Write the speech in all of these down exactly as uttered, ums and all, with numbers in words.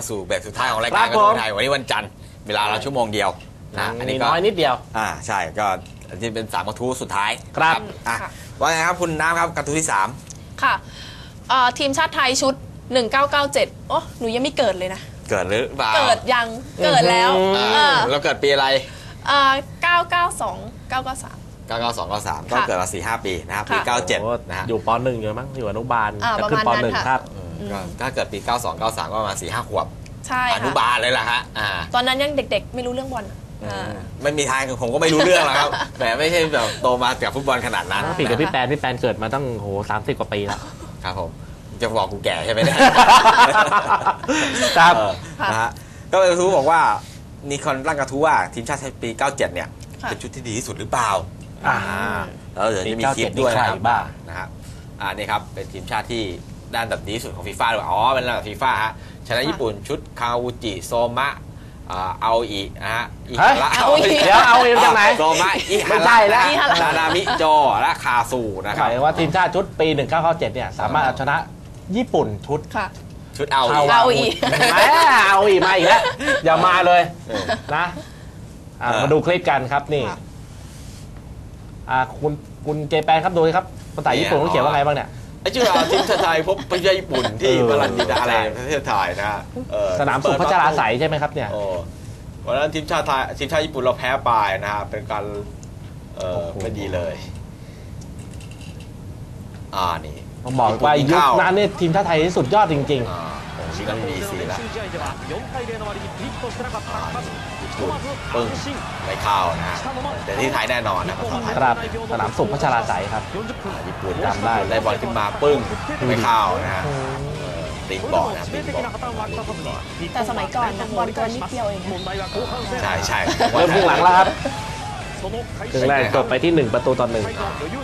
สู่แบบสุดท้ายของรายการกระทู้ไทยวันนี้วันจันทร์เวลาเราชั่วโมงเดียวนะอันนี้ก็น้อยนิดเดียวอ่าใช่ก็อันนี้เป็นสามกระทู้สุดท้ายครับอ่ะว่าไงครับคุณน้ำครับกระทู้ที่สามค่ะทีมชาติไทยชุดหนึ่งเก้าเก้าเจ็ดโอ้หนูยังไม่เกิดเลยนะเกิดหรือเปล่าเกิดยังเกิดแล้วเราเกิดปีอะไรเก้าเก้าสองเก้าเก้าสามเก้าเก้าสองเก้าสามก็เกิดมาสี่ห้าปีนะครับปีเก้าเจ็ดนะฮะอยู่ปหนึ่งอยู่มั้งอยู่อนุบาลจะขึ้นปหนึ่งครับถ้าเกิดปีเก้าสองเก้าสามก็ประมาณสี่ห้าขวบใช่อนุบาลเลยล่ะฮะตอนนั้นยังเด็กๆไม่รู้เรื่องบอลไม่มีทางผมก็ไม่รู้เรื่องหรอกครับแต่ไม่ใช่แบบโตมาจากฟุตบอลขนาดนั้นปีกับพี่แปนพี่แปนเกิดมาตั้งโหสามสิบกว่าปีแล้วครับผมจะบอกกูแก่ใช่ไหมเนี่ยครับนะฮะก็เป็นกระทู้บอกว่ามีคนร่างกระทู้ว่าทีมชาติไทยปีเก้าเจ็ดเนี่ยเป็นชุดที่ดีที่สุดหรือเปล่าอ่าแล้วเดี๋ยวจะมีคลิปด้วยนะครับนะครับอ่านี่ครับเป็นทีมชาติที่ด้านแบบดีที่สุดของฟีฟ่าด้วยอ๋อเป็นระดับฟีฟ่าฮะชนะญี่ปุ่นชุดคาวูจิโซมะเอาอีนะฮะอิฮาระเดี๋ยวเอาอีจากไหนโซมะอิฮาระนานามิโจและคาซูนะครับหมายว่าทีมชาติชุดปีหนึ่งเก้าเก้าเจ็ดเนี่ยสามารถเอาชนะญี่ปุ่นชุดชุดเอาอีเอาอีแหมเอาอีมาอีกแล้วอย่ามาเลยนะมาดูคลิปกันครับนี่คุณคุณเจแปนครับดูครับภาษาญี่ปุ่นเขาเขียนว่าไงบ้างเนี่ยไอ้ชื่อทีมชาติไทยพบประเทศญี่ปุ่นที่บาลันดิดาอะไรประเทศไทยนะสนามสุพัชราไสยใช่ไหมครับเนี่ยวันนั้นทีมชาติไทยทีมชาติญี่ปุ่นเราแพ้ไปนะฮะเป็นการเออไม่ดีเลยอ่านี่ผมบอกว่ายุคนั้นเนี่ยทีมชาติไทยสุดยอดจริงๆชิงกันมีสีแล้วปึ้งไม่เข้านะฮะแต่ที่ไทยแน่นอนนะครับสนามสุพัชราไสยครับญี่ปุ่นจำได้ได้บอลขึ้นมาปึ้งไม่เข้านะฮะตีบอลนะตีบอลแต่สมัยก่อนบอลตัวนิดเดียวเองใช่ใช่เริ่มครึ่งหลังแล้วครับครึ่งแรกจบไปที่หนึ่งประตูต่อหนึ่ง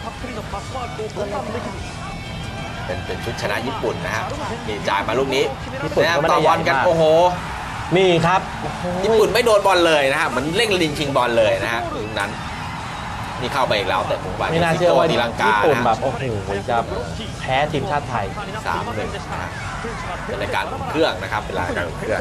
เป็นเป็นชุดชนะญี่ปุ่นนะฮะนี่จ่ายมาลูกนี้นะต่อบอลกันโอ้โหนี่ครับญี่ปุ่นไม่โดนบอลเลยนะฮะมันเร่งลิงชิงบอลเลยนะฮะลูกนั้นนี่เข้าไปอีกแล้วแต่ผมว่าไม่น่าเชื่อว่าญี่ปุ่นแบบโอ้โหจะแพ้ทีมชาติไทยสามหนึ่ง นะฮะเป็นรายการเครื่องนะครับเป็นรายการเครื่อง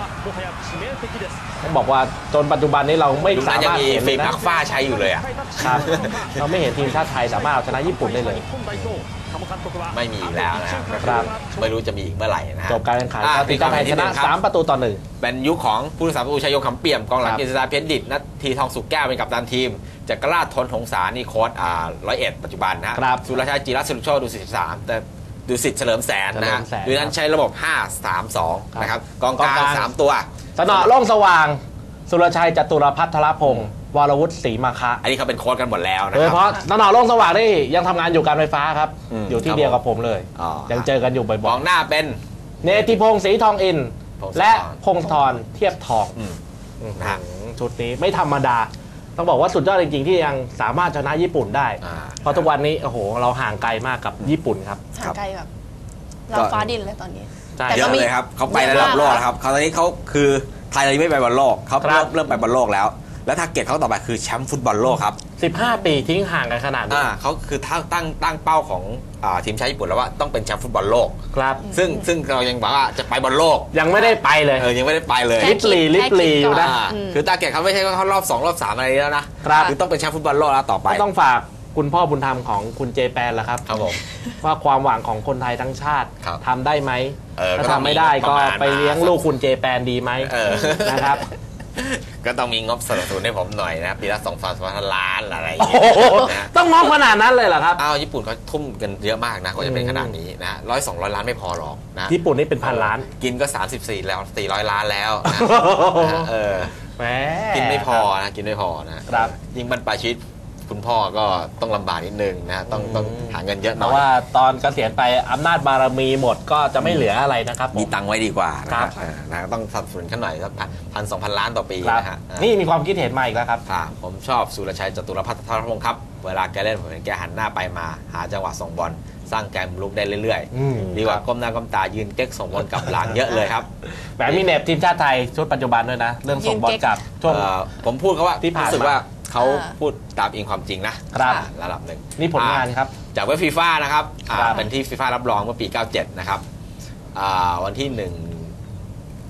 ต้องบอกว่าจนปัจจุบันนี้เราไม่สามารถเห็นฟิล์มอักฟ้าใช้อยู่เลยอ่ะครับเราไม่เห็นทีมชาติไทยสามารถเอาชนะญี่ปุ่นได้เลยไม่มีแล้วนะครับไม่รู้จะมีอีกเมื่อไหร่นะจบการแข่งขันทีมชาติไทยชนะสามประตูต่อหนึ่งเป็นยุคของผู้รักษาประตูชัยยงคำเปี่ยมกองหลังกฤษฎาเพียรดิษฐ์นัททีทองสุกแก้วเป็นกัปตันทีมจักรราชทนหงสานี่โค้ชอ่าร้อยเอ็ดปัจจุบันนะสุรชัยจิรัตน์สุรโชติดูสิบสามแต่ดูสิทธิ์เฉลิมแสนนะฮะดูนั้นใช้ระบบห้า สาม สองนะครับกองกลางสามตัวสนอโล่งสว่างสุรชัยจตุรพัฒนพงศ์วรวุฒิศรีมาคะอันนี้เขาเป็นโค้ชกันหมดแล้วนะโดยเฉพาะสนอโล่งสว่างนี่ยังทำงานอยู่การไฟฟ้าครับอยู่ที่เดียวกับผมเลยยังเจอกันอยู่บ่อยๆกองหน้าเป็นเนติพงศ์ศรีทองอินและพงธรเทียบทองชุดนี้ไม่ธรรมดาต้องบอกว่าสุดยอดจริงๆที่ยังสามารถชนะญี่ปุ่นได้เพราะทุกวันนี้โอ้โหเราห่างไกลมากกับญี่ปุ่นครับห่างไกลแบบเราฟ้าดินเลยตอนนี้เยอะเลยครับเขาไประดับโลกครับเขาตอนนี้เขาคือไทยเราไม่ไปบอลโลกเขาเริ่มเริ่มไปบอลโลกแล้วแล้วทาร์เก็ตเขาต่อไปคือแชมป์ฟุตบอลโลกครับสิบห้าปีทิ้งห่างกันขนาดนี้เขาคือตั้งตั้งเป้าของทีมชาติญี่ปุ่นแล้วว่าต้องเป็นแชมป์ฟุตบอลโลกครับซึ่งซึ่งเรายังบอกว่าจะไปบอลโลกยังไม่ได้ไปเลยเออยังไม่ได้ไปเลยลิบลีลิบลีอยู่นะคือตาร์เก็ตเขาไม่ใช่ว่าเขารอบสองรอบสามอะไรแล้วนะคือต้องเป็นแชมป์ฟุตบอลโลกแล้วต่อไปต้องฝากคุณพ่อบุญธรรมของคุณเจแปนแล้วครับครับผมว่าความหวังของคนไทยทั้งชาติทำได้ไหมถ้าทำไม่ได้ก็ไปเลี้ยงลูกคุณเจแปนดีไหมนะครับก็ต้องมีงบสนับสนุนให้ผมหน่อยนะปีละสองพันล้านอะไรอย่างเงี้ยต้องงบขนาดนั้นเลยเหรอครับอ้าวญี่ปุ่นเขาทุ่มกันเยอะมากนะกว่าจะเป็นขนาดนี้นะร้อยสองร้อยล้านไม่พอหรอกนะญี่ปุ่นนี่เป็นพันล้านกินก็สามสิบสี่แล้วสี่ร้อยล้านแล้วเออกินไม่พอนะกินไม่พอนะครับยิ่งบรรพชิตคุณพ่อก็ต้องลำบากนิดนึงนะต้องต้องหาเงินเยอะหน่อยเพราะว่าตอนเกษียณไปอำนาจบารมีหมดก็จะไม่เหลืออะไรนะครับมีตังค์ไว้ดีกว่านะครับนะต้องสนับสนุนขึ้นหน่อยสักพันสองพันล้านต่อปีนะฮะนี่มีความคิดเห็นมาอีกแล้วครับผมชอบสุรชัยจตุรพัฒนพงศ์ครับเวลาแกเล่นผมเห็นแกหันหน้าไปมาหาจังหวะส่งบอลสร้างแกมลุกได้เรื่อยๆดีกว่าก้มหน้าก้มตายืนเก๊กส่งบอลกลับหลังเยอะเลยครับแบบมีเน็บทีมชาติไทยชุดปัจจุบันด้วยนะเรื่องส่งบอลกลับช่วงผมพูดเขาว่าที่รู้สึกว่าเขาพูดตามอิงความจริงนะครับระดับหนึ่งนี่ผลงานครับจากเว็บฟีฟ่านะครับเป็นที่ฟีฟ่ารับรองเมื่อปีเก้าเจ็ดนะครับวันที่หนึ่ง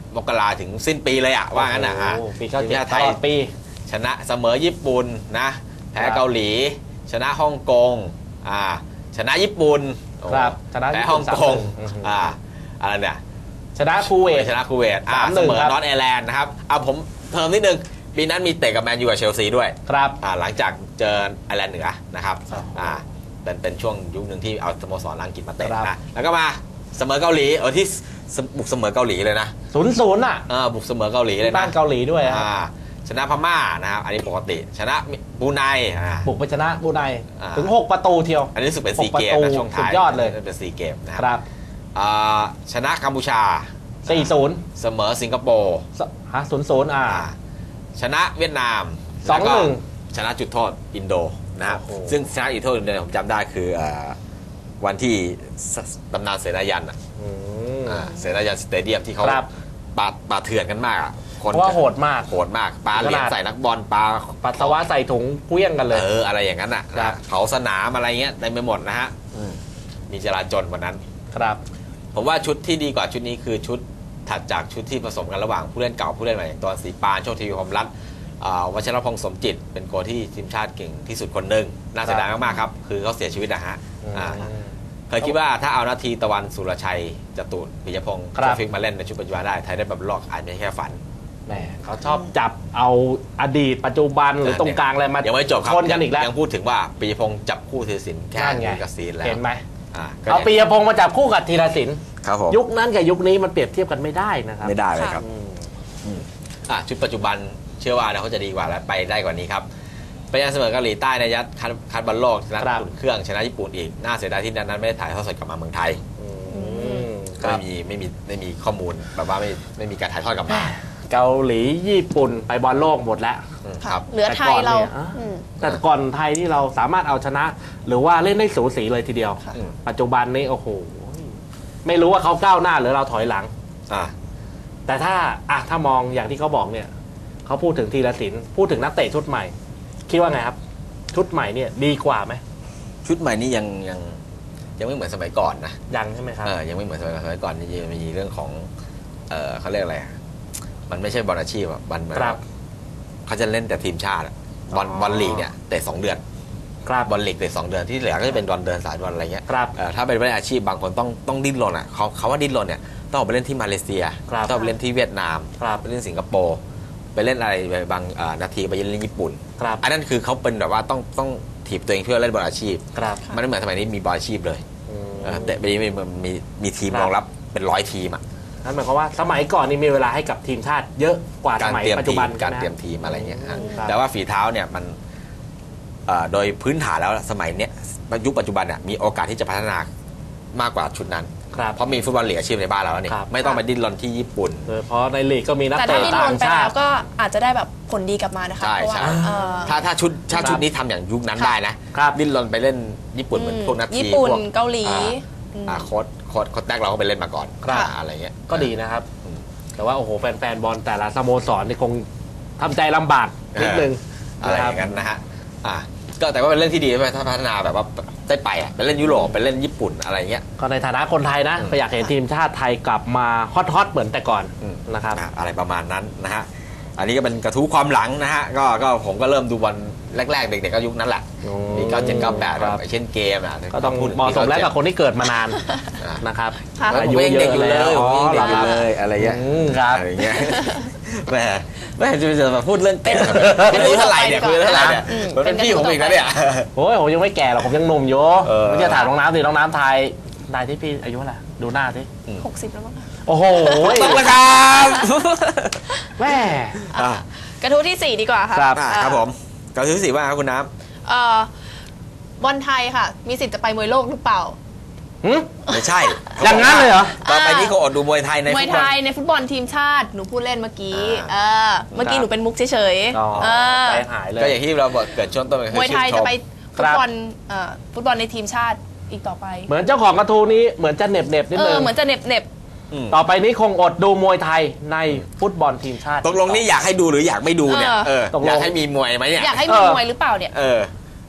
มกราถึงสิ้นปีเลยอ่ะว่างั้นอ่ะโอ้โหปีเก้าทีเจ็มดชาติตไทยลอดปีชนะเสมอญี่ปุ่นนะแพ้เกาหลี ชนะฮ่องกงอ่าชนะญี่ปุ่นครับชนะแพ้ญี่ฮ่ปุ่อน งสามกงหนึ่งอ่าอะไรเนี่ยชนะคูเวตชนะคูเวตอ่าสามหเสนึ่งมอครับนอตไอร์แลนด์นะครับเอาผมเพิ่มนิดนึงปีนั้นมีเตะกับแมนยูกับเชลซีด้วยครับอ่าหลังจากเจอไอร์แลนด์เหนือนะครับครับอ่าเป็นเป็นช่วงยุคหนึ่งที่เอาสโมสรอังกฤษมาเตะครับนะแล้วก็มาเสมอเกาหลีเออที่สบุกเสมอเกาหลีเลยนะศูนย์ศูนย์อ่ะเออบุกเสมอเกาหลีเลยบ้านะนเกาหลีด้วยอะอ่าชนะพม่านะครับอันนี้ปกติชนะบรูไนอ่าบุกไปชนะบรูไนอ่าถึงหกประตูเทียวอันนี้รู้สึกเป็นหซีกประเกมตูนะช่วงท้ายสุดยอดเลยเป็นซีเกมนะคครับ รับอ่าชนะกัมพูชาสี่ศูนย์เสมอสิงคโปร์ฮะศูนย์ศูนย์อ่าอ่าชนะเวียดนามสองหนึ่งแล้วก็ชนะจุดโทษอินโดนะครับโอ้โหซึ่งชนะจุดโทษอินโดผมจำได้คืออ่าวันที่สตำนานเสนายันอ่ะอืมอ่าเสนายันสเตเดียมที่เขาครับปาปาเถื่อนกันมากอะคนเพราะว่าโหดมากโหดมากปาเหรียญขนาดใส่นักบอลปาปัสสาวะใส่ถุงเกลี้ยงกันเลยเอออะไรอย่างนั้นอ่ะครันะบเผาสนามอะไรเงี้ยเต็มไปหมดนะฮะอืมมีจราจรวันนั้นครับผมว่าชุดที่ดีกว่าชุดนี้คือชุดถัดจากชุดที่ผสมกันระหว่างผู้เล่นเก่าผู้เล่นใหม่อย่างตัวศรีปานโชคทวีพรหมรัตน์อ่าวัชรพงษ์สมจิต เป็นโกลที่ทีมชาติเก่งที่สุดคนหนึ่งน่าเสียดายมากๆครับคือเขาเสียชีวิตนะฮะอ่าเคยคิดว่าถ้าเอานาทีตะวันสุรชัยจตุรปิยพงษ์ครับโชฟิกมาเล่นในชุดปัจจุบันได้ไทยได้แบบลอกอาจไม่ใช่แค่ฝันแหมเขาชอบจับเอาอดีตปัจจุบันหรือตรงกลางอะไรมายังไม่จบครับชนกันอีกแล้วยังพูดถึงว่าปิยพงษ์จับคู่ธีรศิลป์แค่นั่นไงกับซีนแล้วเห็นไหมอ่าก็เอาปียพงษ์มาจับคู่กับธีรศิลป์ครับผมยุคนั้นกับยุคนี้มันเปรียบเทียบกันไม่ได้นะครับไม่ได้เลยครับอืมอ่ะชุดปัจจุบันเชื่อว่าเดี๋ยวเขาจะดีกว่าและไปได้กว่านี้ครับไปยังเสมอเกาหลีใต้ในยัดคัดคัดบอลโลกชนะครับ อุ่นเครื่องชนะญี่ปุ่นอีกน่าเสียดายที่นั้นไม่ได้ถ่ายทอดสดกลับมาเมืองไทยอืมคก็รับไม่มีไม่มีไม่มีข้อมูลแบบว่าไม่ไม่มีการถ่ายทอดกลับมาเกาหลีญี่ปุ่นไปบอลโลกหมดแล้วอืมครับเหลือไทยเราแต่ก่อนเนี่ยอ่ะอืมแต่ก่อนไทยที่เราสามารถเอาชนะ หรือว่าเล่นได้สูสีเลยทีเดียวค่ะอืมปัจจุบันนี้โอ้โหไม่รู้ว่าเขาก้าวหน้าหรือเราถอยหลังอ่าแต่ถ้าอ่ะถ้ามองอย่างที่เขาบอกเนี่ยเขาพูดถึงธีรศิลป์พูดถึงนักเตะชุดใหม่ คิดว่าไงครับ ชุดใหม่เนี่ยดีกว่าไหมชุดใหม่นี่ยังยังยังไม่เหมือนสมัยก่อนนะยังใช่ไหมครับเออยังไม่เหมือนสมัยก่อนสมัยก่อนนี่จะมีเรื่องของเออเขาเรียกอะไรอ่ะมันไม่ใช่บอลอาชีพอ่ะบอลเหมือนครับเขาจะเล่นแต่ทีมชาติอะบอลอ๋อบอลลีกเนี่ยเตะสองเดือนครับบอลลีกเตะสองเดือนที่เหลือก็จะเป็นบอลเดินสายบอลอะไรเงี้ยครับเอ่อถ้าเป็นผู้เล่นอาชีพบางคนต้องต้องดิ้นรนอ่ะเขาเขาว่าดิ้นรนเนี่ยต้องออกไปเล่นที่มาเลเซียครับต้องไปเล่นที่เวียดนามครับไปเล่นสิงคโปร์ไปเล่นอะไรไปบางเอ่อนาทีไปเล่นญี่ปุ่นครับอันนั้นคือเขาเป็นแบบว่าต้องต้องถีบตัวเองเพื่อเล่นบอลอาชีพครับมันไม่เหมือนสมัยนี้มีบอลอาชีพเลยอืมเออแต่ปีนี้มีมีมีทีมครับรองรับเป็นร้อยทีมอ่ะนั่นหมายความว่าสมัยก่อนนี่มีเวลาให้กับทีมชาติเยอะกว่าสการมัยเตรียมปัจทีจุบันมการใช่ไหเตรียมทีมอะไรเงี้ยฮะครับแต่ว่าฝีเท้าเนี่ยมันเอ่อโดยพื้นฐานแล้วสมัยเนี้ยยุคปัจจุบันเนี่ยมีโอกาสที่จะพัฒนามากกว่าชุดนั้นครับเพราะมีฟุตบอลลีกอาชีพในบ้านเราแล้วนี่ครับไม่ต้องไปดิ้นรนที่ญี่ปุ่นโดยเฉพราะในลีกก็มีนักแต่เตะถ้าดิ้นรต่าน งไปชาแล้ติวก็อาจจะได้แบบผลดีกลับมานะคะใช่เพราะว่าใช่เอ่อถ้าถ้าชุดถ้าครับชุดนี้ทำอย่างยุคนั้นค่ะได้นะครับ ดิ้นรนไปเล่นญี่ปุ่นเหมือนพวกนัททีญี่ปุ่นพวกเกาหลีอ่าอืมอ่าโค้ดโค้ดโค้ดแท็กเราก็ไปเล่นมาก่อนครับอ่าอะไรเงี้ยก็ดีนะครับ แต่ว่าโอ้โหแฟนๆบอลแต่ละสโมสรนี่คงทำใจลำบากนิดนึงอะไรนะอครับย่างนั้นนะฮะอ่าก็แต่ว่าเป็นเรื่องที่ดีใช่ไหมถ้าพัฒนาแบบว่าได้ไปอ่ะไปเล่นยุโรปไปเล่นญี่ปุ่นอะไรเงี้ยก็ในฐานะคนไทยนะอืมก็อยากเห็นทีมชาติไทยกลับมาฮอตๆเหมือนแต่ก่อนอืมนะครับอ่ะอะไรประมาณนั้นนะฮะอันนี้ก็เป็นกระทู้ความหลังนะฮะก็ก็ผมก็เริ่มดูบอลแรกๆเด็กๆก็ยุคนั้นแหละอืมมีเก้าเจ็ดเก้าแปดครับเช่นเกมอ่ะก็ต้องพูดถึเหมาะสมแล้วกับคนที่เกิดมานานอ่ะนะครับค่ะแล้วผมยังเด็กอยู่เลยอ๋ผอมยังเหรเด็อกอครับยู่เลยอะไรเงี้ยอืมครับอะไรเงี้ยแหมแหมจะจะมาพูดเรื่องเต้นไม่รู้เท่าไหร่เนี่ยคุยเท่าไหร่เนี่ยอืมมันเป็นพี่ผมอีกนะเนี่ยโอ้ยผมยังไม่แก่หรอกผมยังหนุ่มอยู่เออไม่ใช่ถามน้องน้ำสิน้องน้ำไทยได้ที่พี่อายุเท่าไหร่ดูหน้าสิหกสิบแล้วมั้งคะโอ้โหต้องแล้วครับแม่อ่ะกระทู้ที่สี่ดีกว่าค่ะครับอ่ะครับผมกระทู้ที่สี่ว่าครับคุณน้เอ่อบอลไทยค่ะ มีสิทธิ์จะไปมวยโลกหรือเปล่าหึำไม่ใช่อย่างนั้นเลยเหรอต่อไปนี้เขาอดดูมวยไทยในมฟุวยตบไทอลยในฟุตบอลทีมชาติหนูพูดเล่นเมื่อกี้อ่าเออเมื่อกี้ครับหนูเป็นมุกเฉยอ๋อๆเออใจหายเลยก็อย่างที่เราบอกเกิดช่วงต้นมวยไทยจะไปคฟุรัตบบอลเอ่อฟุตบอลในทีมชาติอีกต่อไปเหมือนเจ้าของกระทู้นี้เหมือนจะเหน็บเน็บๆนิดเอนึอง เหมือนจะเหน็บเน็บอืมต่อไปนี้คงอดดูมวยไทยในฟุตบอลทีมชาติตกลงนี่อยากให้ดูหรืออยากไม่ดูเนี่ยเออเออตกลงอยากให้มีมวยไหมเนี่ยอยากให้มีเออมวยหรือเปล่าเนี่ยเออ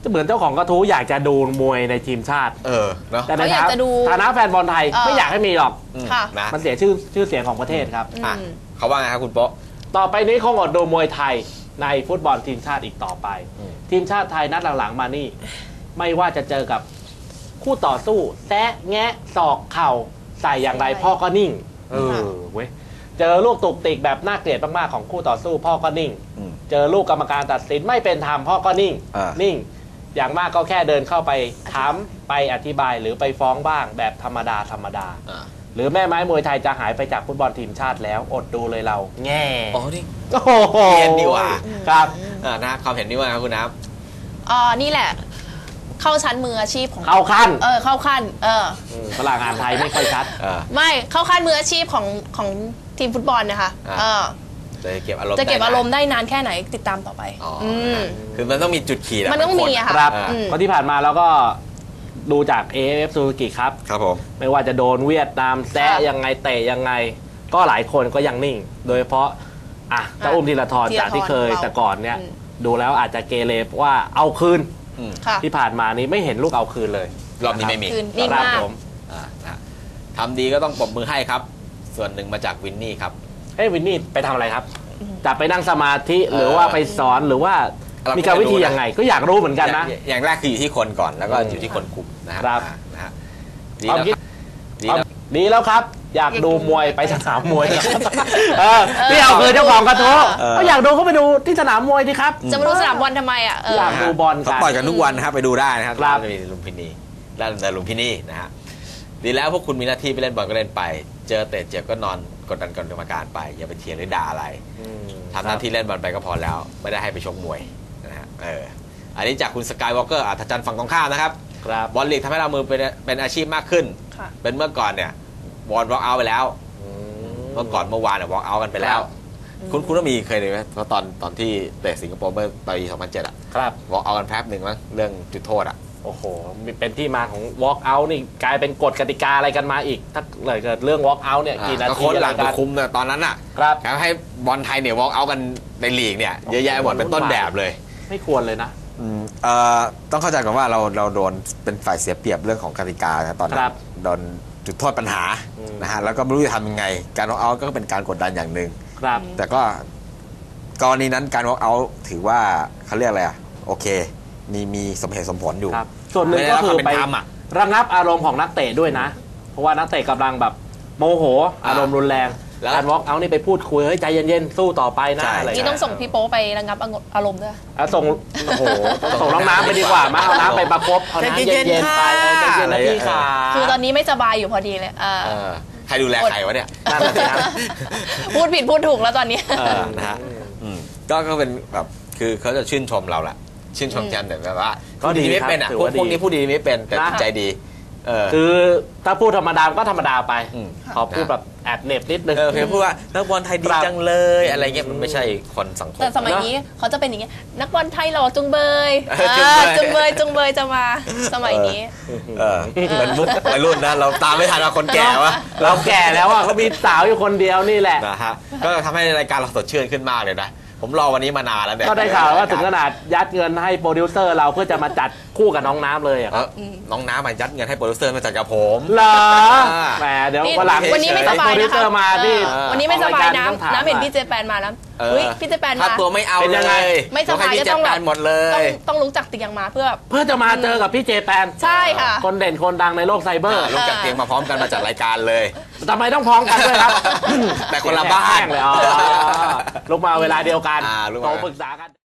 เหมือนเจ้าของกระทู้อยากจะดูมวยในทีมชาติเออเนาะแต่ในเขาอยากจะดูฐานะแฟนบอลไทยเออไม่อยากให้มีหรอกอืมค่ะนะมันเสียชื่อชื่อเสียงของประเทศครับอ่ะอืมเขาว่าไงครับคุณโป๊ะต่อไปนี้คงอดดูมวยไทยในฟุตบอลทีมชาติอีกต่อไปอืมทีมชาติไทยนัดหลังๆมานี่ ไม่ว่าจะเจอกับคู่ต่อสู้แซะแงะศอกเข่าใส่อย่างไรใช่พ่อก็นิ่ง เอค่ะอเว้ยเจอลูกตุกติกแบบน่าเกลียดมากๆของคู่ต่อสู้พ่อก็นิ่งอืมเจอลูกกรรมการตัดสินไม่เป็นธรรมพ่อก็นิ่งอ่านิ่นิ่ง อย่างมากก็แค่เดินเข้าไปถามไปอธิบายหรือไปฟ้องบ้างแบบธรรมดาธรรมดาอ่าหรือแม่ไม้มวยไทยจะหายไปจากฟุตบอลทีมชาติแล้วอดดูเลยเรา แง่อ๋อนี่โอ้โหเรียนดีกว่าครับอ่านะความเห็นนี่ว่าไงครับคุณน้อ๋อนี่แหละ เข้าชั้นมืออาชีพของเข้าขั้นเออเข้าขั้นเอออืมฝรั่งอ่านไทยไม่ค่อยชัดำเออไม่เข้าขั้นมืออาชีพของของทีมฟุตบอลนะคะอ่าเออจะเก็บอารมณ์จะเก็บได้อารมณ์ได้นานแค่ไหนติดตามต่อไปอ๋ออือมคือมันต้องมีจุดขีดะมันต้องมีอะค่ะครับอ่าอืมเพราะที่ผ่านมาเราก็ดูจาก เอ เอฟ เอฟ Suzuki ครับครับผมไม่ว่าจะโดนเวียดนามแซะค่ะยังไงเตะยังไง ก็หลายคนก็ยังนิ่ง โดยเฉพาะอ่ะเจ้าอุ้มธีรทรธีรทรจากที่เคยของเราแต่ก่อนเนี่ยอืมดูแล้วอาจจะเกเรว่าเอาคืนอืมค่ะที่ผ่านมานี้ไม่เห็นลูกเอาคืนเลยรอบนี้ไม่มีคืนนิ่งครับมากผมอ่านะทำดีก็ต้องปรบมือให้ครับ ส่วนหนึ่งมาจากวินนี่ครับเฮ้ยวินนี่ไปทำอะไรครับจะไปนั่งสมาธิเออหรือว่าไปสอนหรือว่าเราก็มีการวิธีไม่รู้นะยังไง ก็อยากรู้เหมือนกันนะอย่างอย่างแรกคืออยู่ที่คนก่อนแล้วก็อืมอยู่ที่คนคุมนะฮะครับอ่านะฮะดีความแล้วคิดดีแล้วดีแล้วครับ อยากดูมวยไปสนามมวยครับเออเออนี่เอาคือเจ้าของกระทู้เออก็อยากดูก็ไปดูที่สนามมวยดิครับจะมาดูสนามบอลทำไมอ่ะเอออยาก ดูบอลกันเขาปล่อยกันทุกวันนะครับไปดูได้นะครับครับจะมีลุมพินีด้านแต่ลุมพินีนะฮะดีแล้วพวกคุณมีหน้าที่ไปเล่นบอลก็เล่นไป เจอเตะเจ็บก็นอนกดดันกรรมการไป อย่าไปเถียงหรือด่าอะไรอืมทำหน้าที่เล่นบอลไปก็พอแล้ว ไม่ได้ให้ไปชกมวยนะฮะเอออันนี้จากคุณสกายวอล์กเกอร์อัธจันทร์ฝั่งตรงข้ามนะครับครับบอลลีกทำให้เรามือเป็นเป็นอาชีพมากขึ้นค่ะเป็นเมื่อก่อนเนี่ยบอลวอล์กเอาไปแล้วอืมเมื่อก่อนเมื่อวานเนี่ยวอล์กเอากันไปแล้ว คุณคุณต้องมีเคยเลยไหมเพราะตอนตอนที่เตะสิงคโปร์เมื่อปีสองพันเจ็ดอะครับวอล์กเอากันแป๊บหนึ่งมั้งเรื่องจุดโทษอะโอ้โหมีเป็นที่มาของ walk out นี่กลายเป็นกฎกติกาอะไรกันมาอีก ถ้าเกิดเรื่อง walk out เนี่ยกี่นาก็ทีโค้ชอะหไรลังกัไปนคุมเนี่ยตอนนั้นอะครับแล้วให้บอลไทยเนี่ยวอล์กเอากันในลีกเนี่ยเยอะแยะหมดเป็นต้นแบบเลยไม่ควรเลยนะอืมเอ่อต้องเข้าใจก่อนว่าเราเราโดนเป็นฝ่ายเสียเปรียบเรื่องของกติกานะตอนนั้ครันบโดนจุดโทษปัญหาอืมนะฮะแล้วก็ไม่รู้จะทำยังไง การวอล์กเอาก็เป็นการกดดันอย่างหนึ่งครับแต่ก็กรณีนั้นการวอล์กเอาถือว่าเขาเรียกอะไรอ่ะโอเค มีมีสมเหตุสมผลอยู่ครับ ส่วนหนึ่งไม่ได้ก็รับคืความอเป็นไปธรรมอะระงับอารมณ์ของนักเตะด้วยนะ เพราะว่านักเตะกำลังแบบโมโห อารมณ์รุนแรงแล้วการ walk out นี่ไปพูดคุยเฮ้ยใจเย็นๆสู้ต่อไปนะใช่อะไรนี่ต้องส่งพี่โป๊ไประงับอารมณ์ด้วยอ่ะส่งโอ้โหส่งน้องน้ำไปดีกว่ามาเอาน้ำไปประคบเอาน้ำใจเย็เย็นนๆๆไปเออใจเย็นนะพี่ขาคือตอนนี้ไม่สบายอยู่พอดีเลยเออเออใครดูแลใครวะเนี่ยนั่นน่ะสิครับพูดผิดพูดถูกแล้วตอนนี้เออนะฮะอืมก็ก็เป็นแบบคือเขาจะชื่นชมเราแหละชื่นชมกันแต่แบบว่าก็พูดดีดีไม่ครับเป็นอ่ะถือพวกว่าดีพวกนี้พูดดีไม่เป็นแต่นะจิตใจดีเออคือถ้าพูดธรรมดาก็ธรรมดาไปมขอพูดแบบแอบเหน็บนิดนึงเออเคยพูดว่านักบอลไทยดีครับจังเลยอะไรเงี้ยมันไม่ใช่คนสังคมแต่สมัยนี้เขาจะเป็นอย่างเงี้ยนักบอลไทยหล่อจุงเบยเออเออจุจุงงเบเบยยจุงเบยจะมาสมัยนี้เออเป็นมุกวัยรุ่นนะเราตามไม่ทันเราคนแก่วะเราแก่แล้วอ่ะเขามีสาวอยู่คนเดียวนี่แหละนะฮะก็ทำให้รายการเราสดชื่นขึ้นมากเลยนะผมรอวันนี้มานานแล้วเนี่ยก็ได้ข่าวว่าถึงขนาดยัดเงินให้โปรดิวเซอร์เราเพื่อจะมาจัดคู่กับน้องน้ำเลยอะเอครับอน้องน้ำมายัดเงินให้โปรดิวเซอร์มาจัดกับผมเหรออ่าแหมเดี๋ยวนี่วันหลังวันนี้ไม่สบายโปรดิวนะเซคะอร์มาที่เออวันนี้ไม่สบายออกรายการนะต้องถามน้ำเห็นว่าพี่เจแปนมาแล้วเอออุ้ยพี่เจแปนค่ามาตัวไม่เอาเป็นเลยังไงยไม่สบายให้พี่ก็ต้องแจ็คแบบแปนหมดเลต้อย งต้องลุกจากเตียงมาเพื่อเพื่อจะมาเจอกับพี่เจแปนใช่ค่ะคนเด่นคนดังในโลกไซเบอร์ลุกจากเตียงมาพร้อมกันมาจัดรายการเลยทำไมต้องพ้องกันด้วยครับแต่คนละบ้านแห้งเลยอ๋อลุกมาเวลาเดียวกันอ่าลุกมาโทรปรึกษากัน